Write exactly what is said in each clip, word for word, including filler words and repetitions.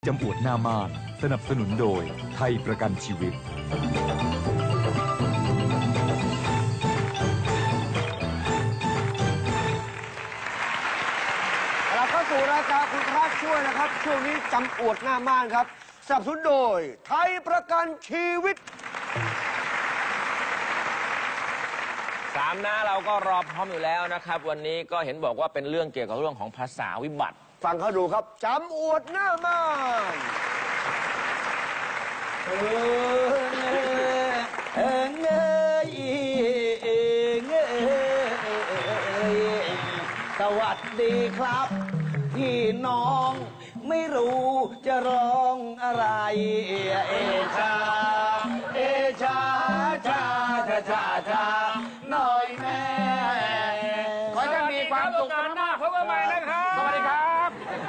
จำอวดหน้าม่านสนับสนุนโดยไทยประกันชีวิตเราเข้าสู่รายการคุณพระช่วยนะครับช่วงนี้จำอวดหน้าม่านครับสนับสนุนโดยไทยประกันชีวิตสามน้าเราก็รอพร้อมอยู่แล้วนะครับวันนี้ก็เห็นบอกว่าเป็นเรื่องเกี่ยวกับเรื่องของภาษาวิบัติฟังเขาดูครับจำอวดหน้าม่านเออเออเงยเงยสวัสดีครับพี่น้องไม่รู้จะร้องอะไรเอชาเอชาชาชาชาชาหน่อยแม่ขอให้ท่านมีความสุขกันมากพบกันใหม่นะครับสวัสดีครับ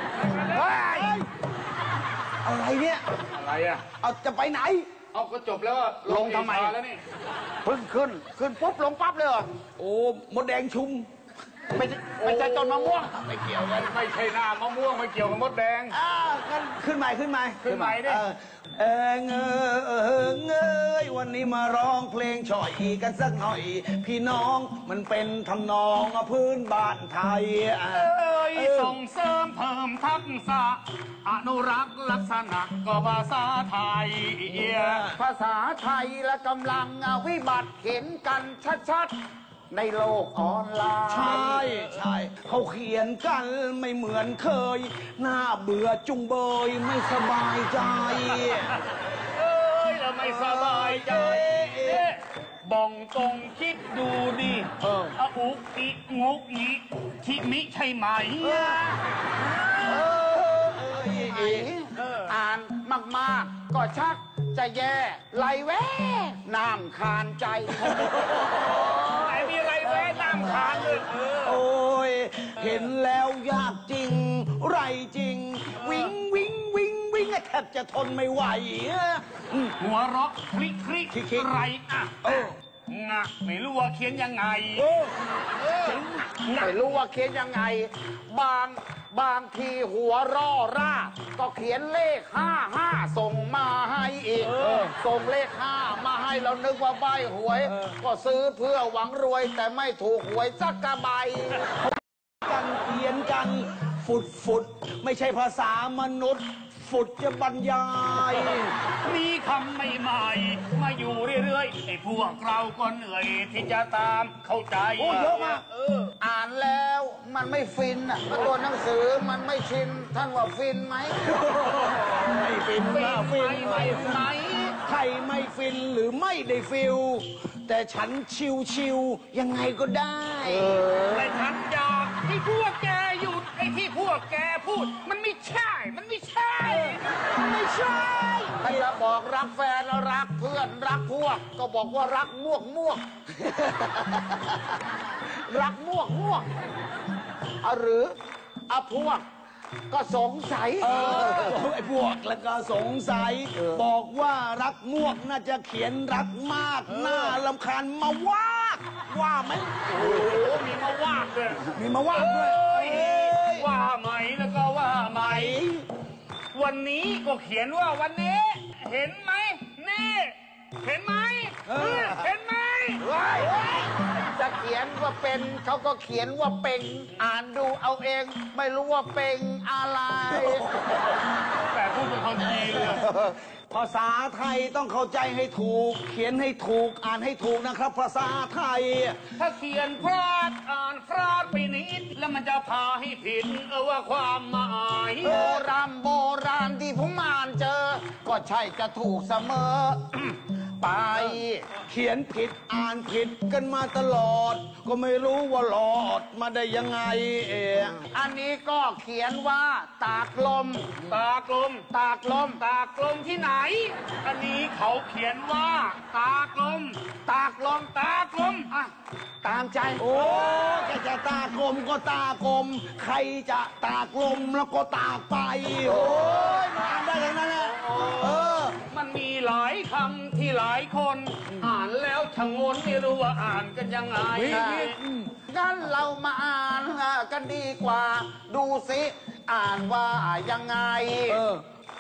อะไรเนี่ยอะไรอ่ะเอาจะไปไหนเอาก็จบแล้วลงทำไมแล้วนี่เพิ่งขึ้นขึ้นปุ๊บลงปั๊บเลยเหรอโอ้มดแดงชุมไม่ใช่ไม่ใช่ต้นมะม่วงไม่เกี่ยวกันไม่ใช่หน้ามะม่วงไม่เกี่ยวกับมดแดงอ่ากันขึ้นใหม่ขึ้นใหม่ขึ้นใหม่ดิเออเงยเงยวันนี้มาร้องเพลงฉ่อยกันสักหน่อยพี่น้องมันเป็นทำนองพื้นบ้านไทยเอ้ยส่งเสริมเพิ่มทักษะอนุรักษ์ลักษณะก็ภาษาไทยภาษาไทยและกำลังวิบัติเห็นกันชัดๆในโลกออนไลน์ใช่ใช่เขาเขียนกันไม่เหมือนเคยหน้าเบื่อจุงเบยไม่สบายใจเอ้ยแล้วไม่สบายใจบ่องตรงคิดดูดิเอออุกอิงุกอิทิมิใช่ไหมอ่านมากๆก็ชักจะแย่ไหลแวน้ำคานใจไหนมีอะไรแวน้ำคานเลยโอ้ยเห็นแล้วยากจริงไรจริงวิ่งวิ่งวิ่งวิ่งแทบจะทนไม่ไหวหัวเราะคลิกคลิกไรอ่ะเอองะไม่รู้ว่าเขียนยังไงไม่รู้ว่าเขียนยังไงบางบางทีหัวร่อร่าก็เขียนเลขห้าห้าส่งมาให้อีกส่งเลขห้ามาให้เรานึกว่าใบหวยก็ซื้อเพื่อหวังรวยแต่ไม่ถูกหวยสักกระใบกันเขียนกันฟุดฟุดไม่ใช่ภาษามนุษย์ฟุดจะบรรยายมีคำใหม่ๆมาอยู่เรื่อยๆไอ้พวกเราก็เหนื่อยที่จะตามเข้าใจโอ้เยอะมากอ่านแล้วมันไม่ฟินอ่ะตัวหนังสือมันไม่ชินท่านว่าฟินไหมไม่ฟินไม่ฟินไม่ไหมใครไม่ฟินหรือไม่ได้ฟิลแต่ฉันชิวชิวยังไงก็ได้แต่ฉันอยากให้พวกแกหยุดไอ้ที่พวกแกพูดมันไม่ใช่มันไม่ใช่มันไม่ใช่ถ้าจะบอกรักแฟนแล้วรักเพื่อนรักพวกก็บอกว่ารักม่วงม่วงรักม่วงม่วงหรืออะพวกก็สงสัยไอ้พวกแล้วก็สงสัยบอกว่ารักมวกน่าจะเขียนรักมากน่ารำคาญมาว่าว่าไหมโอ้โหมีมาว่าด้วยมีมาว่าด้วยว่าไหมแล้วก็ว่าไหมวันนี้ก็เขียนว่าวันนี้เห็นไหมนี่เห็นไหมเห็นไหมจะเขียนว่าเป็นเขาก็เขียนว่าเป็งอ่านดูเอาเองไม่รู้ว่าเป็งอะไรแต่พูดเป็นคนจีนเลยภาษาไทยต้องเข้าใจให้ถูกเขียนให้ถูกอ่านให้ถูกนะครับภาษาไทยถ้าเขียนพลาดอ่านพลาดไปนิดแล้วมันจะพาให้ผิดเออว่าความหมายโบราณโบราณที่ผมอ่านเจอก็ใช่จะถูกเสมอไปเขียนผิดอ่านผิดกันมาตลอดก็ไม่รู้ว่าหลอดมาได้ยังไงเองอันนี้ก็เขียนว่าตากลมตากลมตากลมตากลมที่ไหนอันนี้เขาเขียนว่าตากลมตากลมตากลมอ่ะตามใจโอ้จะจะตากลมก็ตากลมใครจะตากลมแล้วก็ตากไปโอ้ยอ่านได้ทั้งนั้นแหละเออมันมีหลายคำที่หลายคนอ่านแล้วชะงนไม่รู้ว่าอ่านกันยังไงงั้นเรามาอ่านกันดีกว่าดูสิอ่านว่ายังไง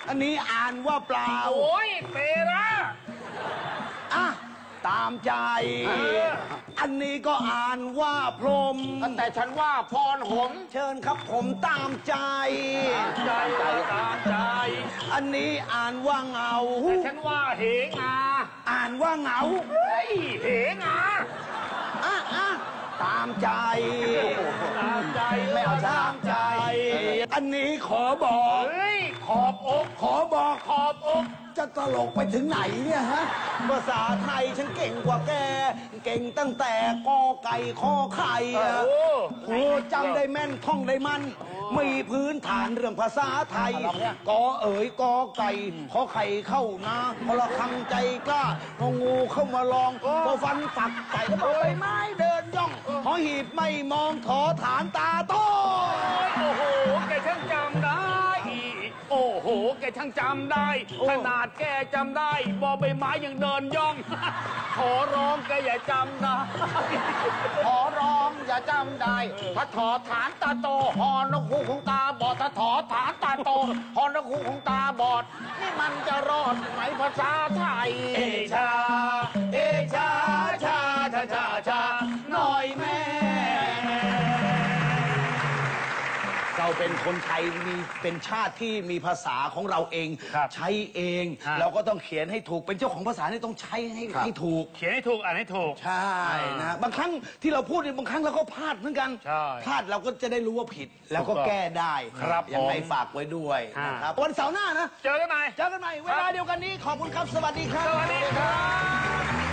อันนี้อ่านว่าเปล่าโอ้ยเประอ่ะตามใจออันนี้ก็อ่านว่าพรหมแต่ฉันว่าพรหมเชิญครับผมตามใจใจตามใจอันนี้อ่านว่าเงาแต่ฉันว่าเหงาอ่านว่าเหงาเฮ้ยเหงาอ่ะอ่ะตามใจตามใจไม่เอาตามใจ อันนี้ขอบอกเฮ้ยขอบอกขอบอกขอบอกจะตลกไปถึงไหนเนี่ยฮะ ภาษาไทยฉันเก่งกว่าแก เก่งตั้งแต่กอไก่ข้อไข่อะโอ้โอ้จำได้แม่นท่องได้มัน มีพื้นฐานเรื่องภาษาไทย กอเอ๋ยกอไก่ขอไข่เข้านาพอละคังใจกล้างองูเข้ามาลองพอฟันฝักไก่ก็บอกใบไม้เดินย่องหอหีบไม่มองขอฐานตาโตโอ้โห แกช่างจำได้ โอ้โห แกช่างจำได้ ขนาดแกจำได้ บอใบไม้ยังเดินย่อง ขอร้องแกอย่าจำนะ ขอร้องอย่าจำได้ ถ้าถอฐานตาโต หอนกฮูกของตาบอด ถ้าถอฐานตาโต หอนกฮูกของตาบอด นี่มันจะรอดไหมภาษาไทย เอชา เอชา ชา ชา ชา ชา หน่อยแม่เราเป็นคนไทยมีเป็นชาติที่มีภาษาของเราเองครับใช้เองฮะเราก็ต้องเขียนให้ถูกเป็นเจ้าของภาษานี่ต้องใช้ให้ให้ถูกเขียนให้ถูกอ่านให้ถูกใช่นะบางครั้งที่เราพูดเนี่ยบางครั้งเราก็พลาดเหมือนกันใช่พลาดเราก็จะได้รู้ว่าผิดแล้วก็แก้ได้ครับยังไงผมฝากไว้ด้วยฮะนะครับวันเสาร์หน้านะเจอกันใหม่เจอกันใหม่เวลาเดียวกันนี้ขอบคุณครับสวัสดีครับสวัสดีครับ